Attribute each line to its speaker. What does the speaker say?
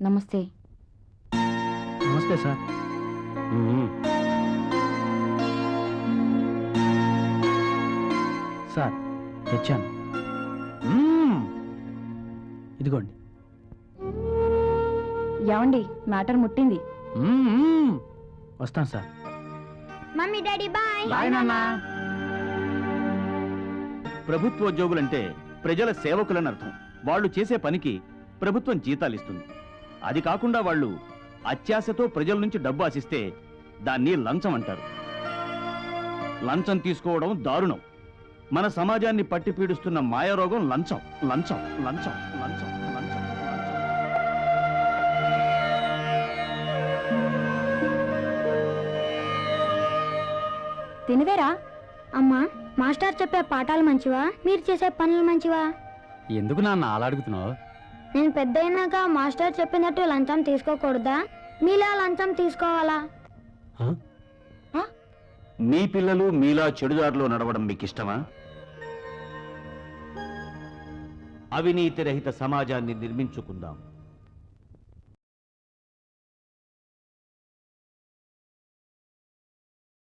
Speaker 1: నమస్తే.
Speaker 2: నమస్తే sir. Sir తెచ్చాను. ఇదిగోండి.
Speaker 1: ఏమండి, మ్యాటర్ ముట్టింది.
Speaker 2: వస్తాను sir.
Speaker 3: Mummy daddy bye.
Speaker 2: Bye నాన్న.
Speaker 4: ప్రభుత్వోద్యోగులంటే ప్రజల సేవకులని అర్థం. వాళ్ళు చేసే పనికి ప్రభుత్వం జీతాలు ఇస్తుంది. అది కాకుండా వాళ్ళు అత్యాశతో ప్రజల నుంచి డబ్బు ఆశిస్తే దాన్ని లంచం అంటారు. లంచం తీసుకోవడం దారుణం. మన సమాజాన్ని పట్టి పీడిస్తున్న మాయారోగం లంచం. లంచం లంచం లంచం లంచం.
Speaker 1: తినవేరా?
Speaker 3: అమ్మా, మాస్టర్ చెప్పే పాఠాలు మంచివా, మీరు చేసే పనులు మంచివా?
Speaker 2: ఎందుకు నాన్న అలా అడుగుతున్నావు?
Speaker 3: నేను పెద్ద అయినాక మాస్టర్ చెప్పినట్టు లంచం తీసుకోకూడదా? మీలా లంచం తీసుకోవాలా?
Speaker 4: మీ పిల్లలు మీలా చెడుదారిలో నడవడం మీకు ఇష్టమా? అవినీతి రహిత సమాజాన్ని నిర్మించుకుందాం.